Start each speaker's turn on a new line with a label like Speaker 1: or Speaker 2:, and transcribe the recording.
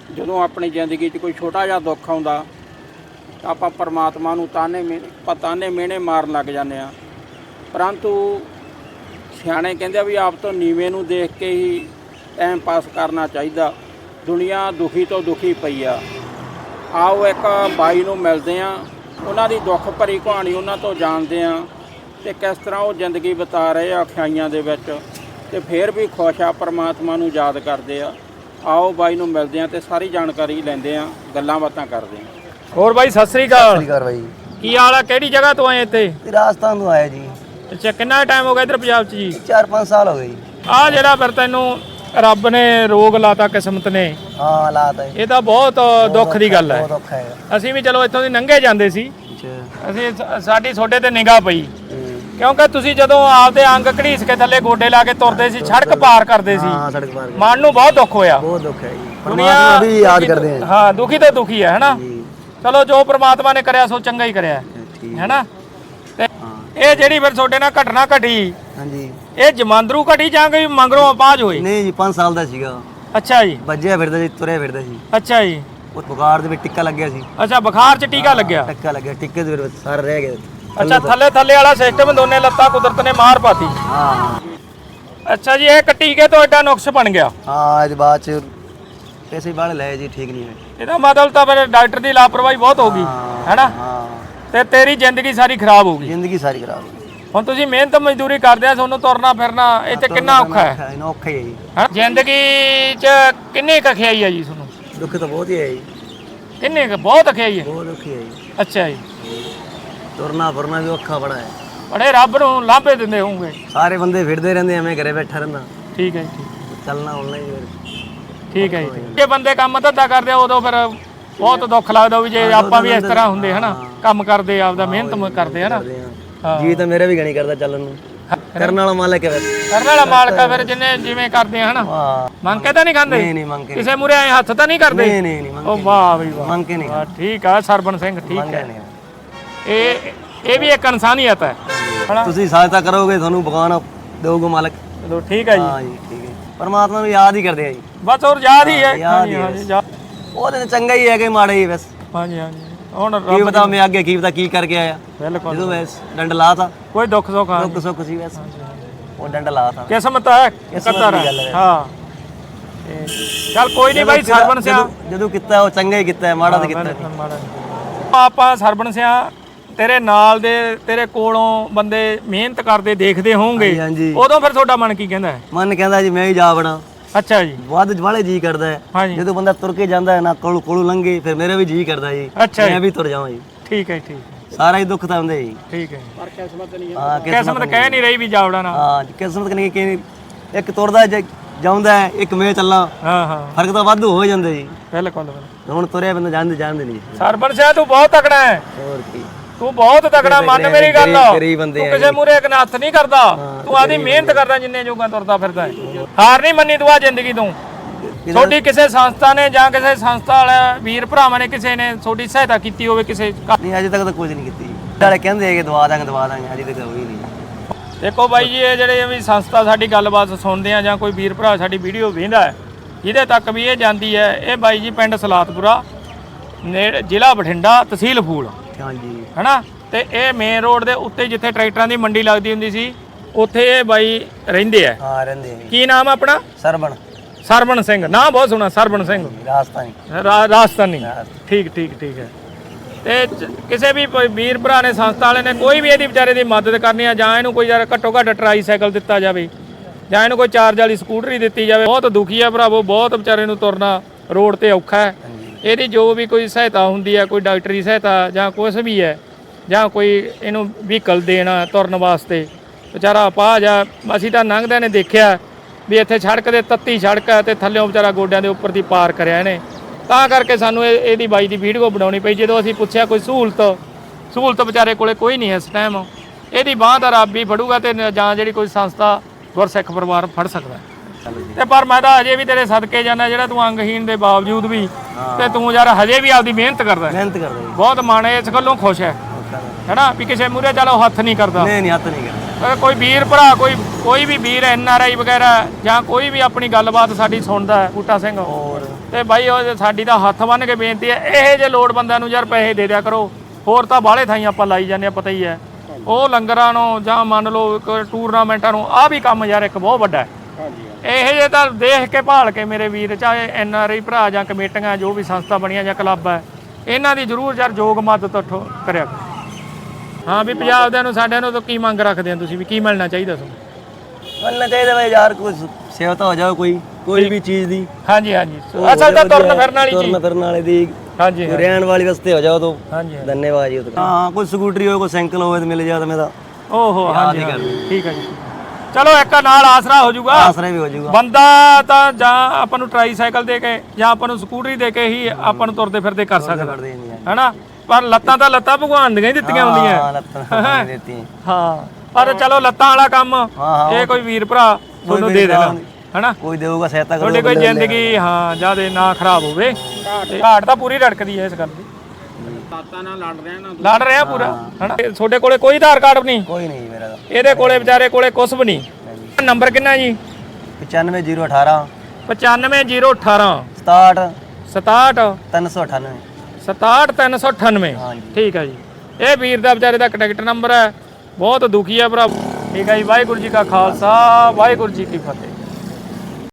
Speaker 1: ਜਦੋਂ ਆਪਣੀ ਜ਼ਿੰਦਗੀ 'ਚ ਕੋਈ ਛੋਟਾ ਜਿਹਾ ਦੁੱਖ ਆਉਂਦਾ ਤਾਂ ਆਪਾਂ ਪਰਮਾਤਮਾ ਨੂੰ ਤਾਨੇ ਮਿਹਣੇ ਮਾਰਨ ਲੱਗ ਜਾਂਦੇ ਹਾਂ। ਪਰੰਤੂ ਸਿਆਣੇ ਕਹਿੰਦੇ ਆ ਵੀ ਆਪ ਤੋਂ ਨੀਵੇਂ ਨੂੰ ਦੇਖ ਕੇ ਹੀ ਟਾਈਮ ਪਾਸ ਕਰਨਾ ਚਾਹੀਦਾ। ਦੁਨੀਆ ਦੁਖੀ ਤੋਂ ਦੁਖੀ ਪਈ ਆ। ਆਓ ਇੱਕ ਬਾਈ ਨੂੰ ਮਿਲਦੇ ਹਾਂ, ਉਹਨਾਂ ਦੀ ਦੁੱਖ ਭਰੀ ਕਹਾਣੀ ਉਹਨਾਂ ਤੋਂ ਜਾਣਦੇ ਹਾਂ ਅਤੇ ਕਿਸ ਤਰ੍ਹਾਂ ਉਹ ਜ਼ਿੰਦਗੀ ਬਿਤਾ ਰਹੇ ਆ ਔਖਿਆਈਆਂ ਦੇ ਵਿੱਚ, ਅਤੇ ਫਿਰ ਵੀ ਖੁਸ਼ ਆ, ਪਰਮਾਤਮਾ ਨੂੰ ਯਾਦ ਕਰਦੇ ਆ। ਆਓ ਬਾਈ ਨੂੰ ਮਿਲਦੇ ਹਾਂ ਅਤੇ ਸਾਰੀ ਜਾਣਕਾਰੀ ਲੈਂਦੇ ਹਾਂ, ਗੱਲਾਂ ਬਾਤਾਂ ਕਰਦੇ ਹਾਂ। ਹੋਰ ਬਾਈ ਸਤਿ ਸ੍ਰੀ ਅਕਾਲ।
Speaker 2: ਸਤਿ ਸ੍ਰੀ ਅਕਾਲ ਬਾਈ।
Speaker 1: ਕੀ ਹਾਲ ਆ? ਕਿਹੜੀ ਜਗ੍ਹਾ ਤੋਂ ਆਏ ਇੱਥੇ?
Speaker 2: ਰਾਜਸਥਾਨ ਤੋਂ ਆਇਆ ਜੀ।
Speaker 1: ਅੱਛਾ, ਕਿੰਨਾ ਟਾਈਮ ਹੋ ਗਿਆ ਇੱਧਰ ਪੰਜਾਬ 'ਚ ਜੀ?
Speaker 2: 4-5 ਸਾਲ ਹੋ ਗਏ ਜੀ।
Speaker 1: ਆਹ ਜਿਹੜਾ ਫਿਰ ਤੈਨੂੰ ਰੱਬ ਨੇ ਰੋਗ ਲਾਤਾ ਕਿਸਮਤ ਨੇ,
Speaker 2: ਹਾਂ ਹਾਲਾਤ ਹੈ
Speaker 1: ਇਹ ਤਾਂ ਬਹੁਤ ਦੁੱਖ ਦੀ ਗੱਲ ਹੈ।
Speaker 2: ਬਹੁਤ ਔਖਾ ਹੈ।
Speaker 1: ਅਸੀਂ ਵੀ ਚਲੋ ਇੱਥੋਂ ਦੀ ਲੰਘੇ ਜਾਂਦੇ ਸੀ,
Speaker 2: ਅੱਛਾ।
Speaker 1: ਅਸੀਂ ਸਾਡੀ ਤੁਹਾਡੇ ਤੇ ਨਿਗਾਹ ਪਈ ਕਿਉਂਕਿ ਤੁਸੀਂ ਜਦੋਂ ਆਪਦੇ ਅੰਗ ਘੜੀਸ ਕੇ ਥੱਲੇ ਗੋਡੇ ਲਾ ਕੇ ਤੁਰਦੇ ਸੀ, ਸੜਕ ਪਾਰ ਕਰਦੇ ਸੀ,
Speaker 2: ਹਾਂ ਸੜਕ ਪਾਰ
Speaker 1: ਮਨ ਨੂੰ ਬਹੁਤ ਦੁੱਖ ਹੋਇਆ।
Speaker 2: ਬਹੁਤ ਦੁੱਖ ਹੈ ਜੀ।
Speaker 1: ਦੁਨੀਆ
Speaker 2: ਪਰਮਾਤਮਾ ਵੀ ਯਾਦ ਕਰਦੇ ਆ।
Speaker 1: ਹਾਂ, ਦੁਖੀ ਤੇ ਦੁਖੀ ਹੈ ਨਾ। ਚਲੋ ਜੋ ਪ੍ਰਮਾਤਮਾ ਨੇ ਕਰਿਆ ਸੋ ਚੰਗਾ ਹੀ ਕਰਿਆ ਹੈ ਨਾ। ਤੇ ਇਹ ਜਿਹੜੀ ਫਿਰ ਤੁਹਾਡੇ ਨਾਲ ਘਟਨਾ ਘਟੀ,
Speaker 2: ਹਾਂਜੀ,
Speaker 1: ਇਹ ਜਮਾਂਦਰੂ ਘਟੀ ਜਾਂ ਕੋਈ ਮੰਗਰੋਂ ਅਪਾਜ ਹੋਈ?
Speaker 2: ਨਹੀਂ ਜੀ 5 ਸਾਲ ਦਾ ਸੀਗਾ।
Speaker 1: ਅੱਛਾ ਜੀ।
Speaker 2: ਵੱਜਿਆ ਫਿਰਦਾ ਸੀ, ਤੁਰਿਆ ਫਿਰਦਾ ਸੀ।
Speaker 1: ਅੱਛਾ ਜੀ।
Speaker 2: ਉਹ ਬੁਖਾਰ ਦੇ ਵਿੱਚ ਟਿੱਕਾ ਲੱਗਿਆ ਸੀ।
Speaker 1: ਅੱਛਾ, ਬੁਖਾਰ 'ਚ ਟੀਕਾ ਲੱਗਿਆ?
Speaker 2: ਟਿੱਕਾ ਲੱਗਿਆ, ਟਿੱਕੇ ਦੇ ਵਿੱਚ ਸਾਰਾ ਰਹਿ ਗਿਆ।
Speaker 1: ਅੱਛਾ, ਥੱਲੇ ਵਾਲਾ ਸਿਸਟਮ, ਦੋਨੇ ਲੱਤਾਂ ਕੁਦਰਤ ਨੇ ਮਾਰ ਪਾਤੀ।
Speaker 2: ਹਾਂ।
Speaker 1: ਅੱਛਾ ਜੀ, ਇਹ ਟੀਕੇ ਤੋਂ ਐਡਾ ਨੁਕਸ ਬਣ ਗਿਆ?
Speaker 2: ਹਾਂ, ਅੱਜ ਬਾਅਦ ਚ ਪੈਸੇ ਬਾਹਲੇ ਲਏ ਜੀ, ਠੀਕ ਨਹੀਂ ਹੋਏ।
Speaker 1: ਇਹਦਾ ਮਤਲਬ ਤਾਂ ਫਿਰ ਡਾਕਟਰ ਦੀ ਲਾਪਰਵਾਹੀ ਬਹੁਤ ਹੋ ਗਈ ਹੈ ਨਾ।
Speaker 2: ਹਾਂ,
Speaker 1: ਤੇ ਤੇਰੀ ਜ਼ਿੰਦਗੀ ਸਾਰੀ ਖਰਾਬ ਹੋ ਗਈ।
Speaker 2: ਜ਼ਿੰਦਗੀ ਸਾਰੀ ਖਰਾਬ ਹੋ ਗਈ।
Speaker 1: ਹੁਣ ਤੁਸੀਂ ਮਿਹਨਤ ਮਜ਼ਦੂਰੀ ਕਰਦੇ ਆ, ਤੁਹਾਨੂੰ ਤੁਰਨਾ ਫਿਰਨਾ ਇੱਥੇ ਕਿੰਨਾ ਔਖਾ ਹੈ?
Speaker 2: ਇਹਨਾਂ ਔਖਾ ਹੀ ਹੈ ਜੀ।
Speaker 1: ਜ਼ਿੰਦਗੀ 'ਚ ਕਿੰਨੀ ਕੁ ਅਖਿਆਈ ਹੈ ਜੀ ਤੁਹਾਨੂੰ?
Speaker 2: ਦੁੱਖ ਤਾਂ ਬਹੁਤ ਹੀ ਹੈ ਜੀ।
Speaker 1: ਕਿੰਨੇ ਕੁ? ਬਹੁਤ ਅਖਿਆਈ ਹੈ?
Speaker 2: ਬਹੁਤ ਔਖੀ ਹੈ ਜੀ।
Speaker 1: ਅੱਛਾ ਜੀ।
Speaker 2: ਤੁਰਨਾ ਫਿਰਨਾ ਵੀ ਔਖਾ ਬੜਾ ਹੈ।
Speaker 1: ਬੜੇ ਰੱਬ ਨੂੰ ਲਾਂਭੇ ਦਿੰਦੇ ਹੋਵੋਗੇ।
Speaker 2: ਸਾਰੇ ਬੰਦੇ ਫਿਰਦੇ ਰਹਿੰਦੇ ਐ, ਮੈਂ ਘਰੇ ਬੈਠਾ ਰਹਿੰਦਾ।
Speaker 1: ਠੀਕ ਹੈ ਜੀ।
Speaker 2: ਚੱਲਣਾ ਹੁਣ ਨਹੀਂ।
Speaker 1: ਠੀਕ ਹੈ ਜੀ। ਜੇ ਬੰਦੇ ਕੰਮ ਧੰਦਾ ਕਰਦੇ ਆ ਉਦੋਂ ਫਿਰ ਬਹੁਤ ਦੁੱਖ ਲੱਗਦਾ ਵੀ ਜੇ ਆਪਾਂ ਵੀ ਇਸ ਤਰ੍ਹਾਂ ਹੁੰਦੇ ਹਨਾ, ਕੰਮ ਕਰਦੇ ਆਪਦਾ ਮਿਹਨਤ ਕਰਦੇ ਹਨਾ।
Speaker 2: ਜੀ ਤਾਂ ਮੇਰੇ ਵੀ ਗਣੀ ਕਰਦਾ ਚੱਲਣ ਨੂੰ। ਕਰਨ ਵਾਲਾ ਮਾਲਕ ਹੈ।
Speaker 1: ਕਰਨ ਵਾਲਾ ਮਾਲਕ ਆ ਫਿਰ, ਜਿੰਨੇ ਜਿਵੇਂ ਕਰਦੇ ਆ ਹਨਾ। ਮੰਗ ਕੇ ਤਾਂ ਨਹੀਂ ਖਾਂਦੇ?
Speaker 2: ਨਹੀਂ ਨਹੀਂ ਮੰਗ ਕੇ।
Speaker 1: ਕਿਸੇ ਮੂਰੇ ਐ ਹੱਥ ਤਾਂ ਨਹੀਂ ਕਰਦੇ?
Speaker 2: ਨਹੀਂ ਨਹੀਂ ਨਹੀਂ ਮੰਗ
Speaker 1: ਉਹ ਵਾਹ ਬਈ ਵਾਹ,
Speaker 2: ਮੰਗ ਕੇ ਨਹੀਂ।
Speaker 1: ਠੀਕ ਆ ਸਰਬਨ ਸਿੰਘ, ਠੀਕ ਹੈ। ਇਹ ਵੀ ਇੱਕ ਇਨਸਾਨੀਅਤ ਹੈ।
Speaker 2: ਤੁਸੀਂ ਸਹਾਇਤਾ ਕਰੋਗੇ ਤੁਹਾਨੂੰ ਭਗਵਾਨ ਦੇਊਗਾ ਮਾਲਕ।
Speaker 1: ਚਲੋ ਠੀਕ ਹੈ ਜੀ।
Speaker 2: ਹਾਂ ਜੀ, ਠੀਕ ਹੈ। ਪਰਮਾਤਮਾ ਨੂੰ ਯਾਦ ਹੀ ਕਰਦੇ ਆ ਜੀ।
Speaker 1: ਬਸ ਹੋਰ ਯਾਦ ਹੀ ਹੈ।
Speaker 2: ਹਾਂਜੀ ਹਾਂਜੀ। ਉਹ ਤਾਂ ਚੰਗਾ ਹੀ ਹੈ ਕਿ ਮਾੜਾ ਹੀ ਬਸ।
Speaker 1: ਹਾਂਜੀ ਹਾਂਜੀ। ਹੁਣ
Speaker 2: ਕੀ ਪਤਾ ਮੈਂ ਅੱਗੇ ਕੀ ਪਤਾ ਕੀ ਕਰਕੇ ਆਇਆ।
Speaker 1: ਬਿਲਕੁਲ।
Speaker 2: ਜਦੋਂ ਵੈਸ ਡੰਡ ਲਾਤਾ,
Speaker 1: ਕੋਈ ਦੁੱਖ ਸੁੱਖ ਆ,
Speaker 2: ਦੁੱਖ ਸੁੱਖ ਸੀ ਵੈਸ, ਉਹ ਡੰਡ ਲਾਤਾ।
Speaker 1: ਕਿਸਮਤ ਹੈ, ਕਦਰ ਹੈ। ਹਾਂ, ਚੱਲ ਕੋਈ ਨਹੀਂ ਬਾਈ। ਸਰਬਨ ਸਿਆ
Speaker 2: ਜਦੋਂ ਕੀਤਾ ਉਹ ਚੰਗਾ ਹੀ ਕੀਤਾ, ਮਾੜਾ ਤਾਂ ਕੀਤਾ
Speaker 1: ਆਪਾਂ। ਸਰਬਨ ਸਿਆ ਤੇਰੇ ਨਾਲ ਦੇ, ਤੇਰੇ ਕੋਲੋਂ ਬੰਦੇ ਮਿਹਨਤ ਕਰਦੇ ਦੇਖਦੇ ਹੋਣਗੇ,
Speaker 2: ਹਾਂਜੀ।
Speaker 1: ਉਦੋਂ ਫਿਰ ਤੁਹਾਡਾ ਮਨ ਕੀ ਕਹਿੰਦਾ ਹੈ?
Speaker 2: ਮਨ ਕਹਿੰਦਾ ਜੀ ਮੈਂ ਹੀ ਜਾ ਬਣਾ।
Speaker 1: ਅੱਛਾ ਜੀ।
Speaker 2: ਵੱਧ ਵਾਲੇ ਜੀ ਕਰਦਾ ਹੈ ਜਦੋਂ ਬੰਦਾ ਤੁਰ ਕੇ ਜਾਂਦਾ ਹੈ ਨਾ, ਕੋਲੋਂ ਲੰਘੇ, ਫਿਰ ਮੇਰੇ ਵੀ ਜੀ ਕਰਦਾ ਜੀ ਮੈਂ ਵੀ ਤੁਰ ਜਾਵਾਂ ਜੀ।
Speaker 1: ਠੀਕ ਹੈ ਠੀਕ।
Speaker 2: ਸਾਰਾ ਹੀ ਦੁੱਖ ਤਾਂ ਹੁੰਦਾ ਜੀ।
Speaker 1: ਠੀਕ ਹੈ। ਪਰ ਕਿਸਮਤ ਨਹੀਂ।
Speaker 2: ਹਾਂ,
Speaker 1: ਕਿਸਮਤ ਕਹਿ ਨਹੀਂ ਰਹੀ ਵੀ ਜਾਵੜਾ ਨਾ।
Speaker 2: ਹਾਂ, ਕਿਸਮਤ ਨਹੀਂ ਕਿ ਇੱਕ ਤੁਰਦਾ ਜਾਉਂਦਾ ਹੈ, ਇੱਕ ਮੈਂ ਚੱਲਾਂ।
Speaker 1: ਹਾਂ ਹਾਂ,
Speaker 2: ਫਰਕ ਤਾਂ ਵਾਧੂ ਹੋ ਜਾਂਦਾ ਜੀ।
Speaker 1: ਬਿਲਕੁਲ।
Speaker 2: ਹੁਣ ਤੁਰਿਆ ਬੰਦਾ ਜਾਣਦੇ ਨਹੀਂ।
Speaker 1: ਸਰਬਨ ਸਿਆ ਤੂੰ ਬਹੁਤ ਤਕੜਾ ਹੈ।
Speaker 2: ਹੋਰ ਕੀ,
Speaker 1: ਤੂੰ ਬਹੁਤ ਤਕੜਾ। ਮੰਨ ਮੇਰੀ ਗੱਲ,
Speaker 2: ਗਰੀਬ ਬੰਦੇ
Speaker 1: ਤੂੰ ਕਿਸੇ ਮੂਰੇ ਇੱਕ ਨੱਥ ਨਹੀਂ ਕਰਦਾ, ਤੂੰ ਆਦੀ ਮਿਹਨਤ ਕਰਦਾ, ਜਿੰਨੇ ਜੋਗਾ ਤੁਰਦਾ ਫਿਰਦਾ ਹੈ। ਹਾਰ ਨਹੀਂ ਮੰਨੀ ਤੂੰ ਆ ਜ਼ਿੰਦਗੀ ਤੋਂ। ਤੁਹਾਡੀ ਕਿਸੇ ਸੰਸਥਾ ਨੇ ਜਾਂ ਕਿਸੇ ਸੰਸਥਾ ਵਾਲੇ ਵੀਰ ਭਰਾਵਾਂ ਨੇ ਕਿਸੇ ਨੇ ਤੁਹਾਡੀ ਸਹਾਇਤਾ ਕੀਤੀ ਹੋਵੇ ਕਿਸੇ?
Speaker 2: ਨਹੀਂ, ਅਜੇ ਤੱਕ ਤਾਂ ਕੁਝ ਨਹੀਂ ਕੀਤੀ। ਨਾਲੇ ਕਹਿੰਦੇ ਕਿ ਦਵਾ ਦਾਂਗੇ, ਅਜੇ ਤੱਕ ਹੋਈ ਨਹੀਂ।
Speaker 1: ਦੇਖੋ ਬਾਈ ਜੀ, ਇਹ ਜਿਹੜੇ ਵੀ ਸੰਸਥਾ ਸਾਡੀ ਗੱਲਬਾਤ ਸੁਣਦੇ ਆ ਜਾਂ ਕੋਈ ਵੀਰ ਭਰਾ ਸਾਡੀ ਵੀਡੀਓ ਵੇਖਦਾ ਹੈ, ਜਿਹਦੇ ਤੱਕ ਵੀ ਇਹ ਜਾਂਦੀ ਹੈ, ਇਹ ਬਾਈ ਜੀ ਪਿੰਡ ਸਲਾਤਪੁਰਾ ਨੇੜੇ, ਜ਼ਿਲ੍ਹਾ ਬਠਿੰਡਾ, ਤਹਿਸੀਲ ਫੂਲ,
Speaker 2: ਹਾਂਜੀ
Speaker 1: ਹੈਨਾ। ਤੇ ਇਹ ਮੇਨ ਰੋਡ ਦੇ ਉੱਤੇ ਜਿੱਥੇ ਟਰੈਕਟਰਾਂ ਦੀ ਮੰਡੀ ਲੱਗਦੀ ਹੁੰਦੀ ਸੀ, ਉੱਥੇ ਇਹ ਬਾਈ ਰਹਿੰਦੇ ਆ।
Speaker 2: ਹਾਂ, ਰਹਿੰਦੇ। ਕੀ
Speaker 1: ਨਾਮ ਆਪਣਾ? ਸਰਬਨ ਸਿੰਘ। ਨਾਂ ਬਹੁਤ ਸੋਹਣਾ, ਸਰਬਨ ਸਿੰਘ। ਰਾਜਸਥਾਨੀ। ਠੀਕ ਠੀਕ ਠੀਕ ਹੈ। ਤੇ ਕਿਸੇ ਵੀ ਵੀਰ ਭਰਾ ਨੇ, ਸੰਸਥਾ ਵਾਲੇ ਨੇ, ਕੋਈ ਵੀ ਇਹਦੀ ਵਿਚਾਰੇ ਦੀ ਮਦਦ ਕਰਨੀ ਆ, ਜਾਂ ਇਹਨੂੰ ਕੋਈ ਯਾਰ ਘੱਟੋ ਘੱਟ ਟਰਾਈਸਾਈਕਲ ਦਿੱਤਾ ਜਾਵੇ, ਜਾਂ ਇਹਨੂੰ ਕੋਈ ਚਾਰਜ ਵਾਲੀ ਸਕੂਟਰੀ ਦਿੱਤੀ ਜਾਵੇ। ਬਹੁਤ ਦੁਖੀ ਆ ਭਰਾਵੋ, ਬਹੁਤ ਵਿਚਾਰੇ ਨੂੰ ਤੁਰਨਾ ਰੋਡ ਤੇ ਔਖਾ ਹੈ। ਇਹਦੀ ਜੋ ਵੀ ਕੋਈ ਸਹਾਇਤਾ ਹੁੰਦੀ ਹੈ, ਕੋਈ ਡਾਕਟਰੀ ਸਹਾਇਤਾ ਜਾਂ ਕੁਛ ਵੀ ਹੈ, ਜਾਂ ਕੋਈ ਇਹਨੂੰ ਵਹੀਕਲ ਦੇਣਾ ਤੁਰਨ ਵਾਸਤੇ, ਵਿਚਾਰਾ ਅਪਾਹਜ ਆ। ਅਸੀਂ ਤਾਂ ਲੰਘਦਿਆਂ ਨੇ ਦੇਖਿਆ ਵੀ ਇੱਥੇ ਸੜਕ ਦੇ ਤੱਤੀ ਸੜਕ ਹੈ ਤੇ ਥੱਲਿਓਂ ਵਿਚਾਰਾ ਗੋਡਿਆਂ ਦੇ ਉੱਪਰ ਦੀ ਪਾਰ ਕਰਿਆ ਇਹਨੇ। ਤਾਂ ਕਰਕੇ ਸਾਨੂੰ ਇਹਦੀ ਬਾਈ ਦੀ ਵੀਡੀਓ ਬਣਾਉਣੀ ਪਈ। ਜਦੋਂ ਅਸੀਂ ਪੁੱਛਿਆ ਕੋਈ ਸਹੂਲਤ ਵਿਚਾਰੇ ਕੋਲੇ ਕੋਈ ਨਹੀਂ ਇਸ ਟਾਈਮ। ਇਹਦੀ ਬਾਂਹ ਦਾ ਰੱਬ ਹੀ ਫੜੂਗਾ ਤੇ ਜਾਂ ਜਿਹੜੀ ਕੋਈ ਸੰਸਥਾ ਗੁਰਸਿੱਖ ਪਰਿਵਾਰ ਫੜ ਸਕਦਾ। ਤੇ ਪਰ ਮੈਂ ਤਾਂ ਅਜੇ ਵੀ ਤੇਰੇ ਸਦਕੇ ਜਾਂਦਾ, ਜਿਹੜਾ ਤੂੰ ਅੰਗਹੀਣ ਦੇ ਬਾਵਜੂਦ ਵੀ ਤੇ ਤੂੰ ਯਾਰ ਹਜੇ ਵੀ ਆਪਦੀ ਮਿਹਨਤ ਕਰਦਾ। ਬਹੁਤ ਮਨ ਇਸ ਗੱਲੋਂ ਖੁਸ਼ ਹੈ ਹੈਨਾ ਵੀ ਕਿਸੇ ਮੂਹਰੇ ਚਲੋ ਹੱਥ ਨਹੀਂ ਕਰਦਾ।
Speaker 2: ਨਹੀਂ, ਹੱਥ ਨਹੀਂ ਕਰਦਾ।
Speaker 1: ਕੋਈ ਵੀਰ ਭਰਾ, ਕੋਈ ਵੀ ਵੀਰ NRI ਵਗੈਰਾ ਜਾਂ ਕੋਈ ਵੀ ਆਪਣੀ ਗੱਲਬਾਤ ਸਾਡੀ ਸੁਣਦਾ ਹੈ, ਬੂਟਾ ਸਿੰਘ ਤੇ ਬਾਈ ਉਹ ਸਾਡੀ ਤਾਂ ਹੱਥ ਬੰਨ ਕੇ ਬੇਨਤੀ ਹੈ, ਇਹ ਜੇ ਲੋੜ ਬੰਦਿਆਂ ਨੂੰ ਯਾਰ ਪੈਸੇ ਦੇ ਦਿਆ ਕਰੋ। ਹੋਰ ਤਾਂ ਬਾਹਲੇ ਥਾਈਂ ਆਪਾਂ ਲਾਈ ਜਾਂਦੇ ਆ, ਪਤਾ ਹੀ ਹੈ। ਉਹ ਲੰਗਰਾਂ ਨੂੰ ਜਾਂ ਮੰਨ ਲਓ ਇੱਕ ਟੂਰਨਾਮੈਂਟਾਂ ਨੂੰ, ਆਹ ਵੀ ਕੰਮ ਯਾਰ ਇੱਕ ਬਹੁਤ ਵੱਡਾ ਹੈ। ਇਹ ਜੇ ਤਾਂ ਦੇਖ ਕੇ ਭਾਲ ਕੇ ਮੇਰੇ ਵੀਰ, ਚਾਹੇ NRI ਭਰਾ ਜਾਂ ਕਮੇਟੀਆਂ ਜੋ ਵੀ ਸੰਸਥਾ ਬਣੀਆਂ ਜਾਂ ਕਲੱਬ ਹੈ, ਇਹਨਾਂ ਦੀ ਜ਼ਰੂਰ ਯਾਰ ਯੋਗ ਮਦਦ ਕਰਿਆ ਕਰੋ। ਹਾਂ ਵੀ ਪੰਜਾਬ ਦੇ ਨੂੰ ਸਾਡਿਆਂ ਨੂੰ ਤਾਂ ਕੀ ਮੰਗ ਰੱਖਦੇ ਆ ਤੁਸੀਂ, ਵੀ ਕੀ ਮਿਲਣਾ ਚਾਹੀਦਾ ਤੁਹਾਨੂੰ?
Speaker 2: ਮਿਲਣਾ ਚਾਹੀਦਾ ਭਾਈ ਯਾਰ, ਕੋਈ ਸੇਵਤਾ ਹੋ ਜਾਵੇ ਕੋਈ ਵੀ ਚੀਜ਼ ਦੀ।
Speaker 1: ਹਾਂਜੀ ਹਾਂਜੀ, ਅਸਲ ਤਾਂ ਤੁਰਨ ਫਿਰਨ ਵਾਲੀ ਚੀਜ਼,
Speaker 2: ਤੁਰਨ ਫਿਰਨ ਵਾਲੇ ਦੀ,
Speaker 1: ਹਾਂਜੀ
Speaker 2: ਕੋਈ ਰਹਿਣ ਵਾਲੀ ਵਾਸਤੇ ਹੋ ਜਾਵੇ ਤਾਂ
Speaker 1: ਹਾਂਜੀ
Speaker 2: ਧੰਨਵਾਦ ਜੀ। ਹਾਂ ਕੋਈ ਸਕੂਟਰੀ ਹੋਵੇ, ਕੋਈ ਸਾਈਕਲ ਹੋਵੇ ਤਾਂ ਮਿਲ ਜਾਵੇ ਤਾਂ ਮੇਰਾ
Speaker 1: ਓਹੋ ਹਾਂਜੀ ਠੀਕ ਹੈ ਜੀ। ਚਲੋ ਇੱਕ ਨਾਲ ਆਸਰਾ ਹੋ ਜਾਊਗਾ,
Speaker 2: ਆਸਰਾ ਵੀ ਹੋ ਜਾਊਗਾ।
Speaker 1: ਬੰਦਾ ਤਾਂ ਜਾਂ ਆਪਾਂ ਨੂੰ ਟਰਾਈਸਾਈਕਲ ਦੇ ਕੇ ਜਾਂ ਆਪਾਂ ਨੂੰ ਸਕੂਟਰੀ ਦੇ ਕੇ ਹੀ ਆਪਾਂ ਨੂੰ ਤੁਰਦੇ ਫਿਰਦੇ ਕਰ ਸਕਦਾ ਹੈਨਾ। ਪਰ ਲੱਤਾਂ ਤਾਂ ਲੱਤਾਂ ਭਗਵਾਨ ਦੀਆਂ ਹੀ ਦਿੱਤੀਆਂ ਹੁੰਦੀਆਂ।
Speaker 2: ਹਾਂ ਲੱਤਾਂ ਦਿੱਤੀਆਂ।
Speaker 1: ਹਾਂ ਪਰ ਚਲੋ ਲੱਤਾਂ ਵਾਲਾ ਕੰਮ ਇਹ ਕੋਈ ਵੀਰ ਭਰਾ ਤੁਹਾਨੂੰ ਦੇ ਦੇਣਾ ਹੈਨਾ,
Speaker 2: ਕੋਈ ਦੇਊਗਾ ਸਹਾਇਤਾ ਕਰੂਗਾ।
Speaker 1: ਤੁਹਾਡੀ ਕੋਈ ਜ਼ਿੰਦਗੀ ਹਾਂ ਜਿਆਦੇ ਨਾ ਖਰਾਬ ਹੋਵੇ। ਘਾਟ ਤਾਂ ਪੂਰੀ ਰੜਕਦੀ ਹੈ ਇਸ ਗੱਲ ਦੀ।
Speaker 3: ਤਾਤਾ ਨਾਲ
Speaker 1: ਲੜ ਰਿਹਾ ਪੂਰਾ ਹੈਨਾ। ਤੁਹਾਡੇ ਕੋਲੇ ਕੋਈ ਆਧਾਰ ਕਾਰਡ ਨਹੀਂ?
Speaker 2: ਕੋਈ ਨਹੀਂ ਮੇਰਾ।
Speaker 1: ਇਹਦੇ ਕੋਲੇ ਵਿਚਾਰੇ ਕੋਲੇ ਕੁਛ ਵੀ ਨਹੀਂ। ਨੰਬਰ ਕਿੰਨਾ ਜੀ?
Speaker 2: 95018
Speaker 1: 95018
Speaker 2: 67
Speaker 1: 67
Speaker 2: 398
Speaker 1: 67 398। ਠੀਕ ਹੈ ਜੀ, ਇਹ ਵੀਰ ਦਾ ਵਿਚਾਰੇ ਦਾ ਕੰਟੈਕਟ ਨੰਬਰ ਹੈ। ਬਹੁਤ ਦੁਖੀ ਹੈ ਭਰਾ। ਠੀਕ ਹੈ ਜੀ, ਵਾਹਿਗੁਰੂ ਜੀ ਕਾ ਖਾਲਸਾ, ਵਾਹਿਗੁਰੂ ਜੀ ਕੀ ਫਤਿਹ।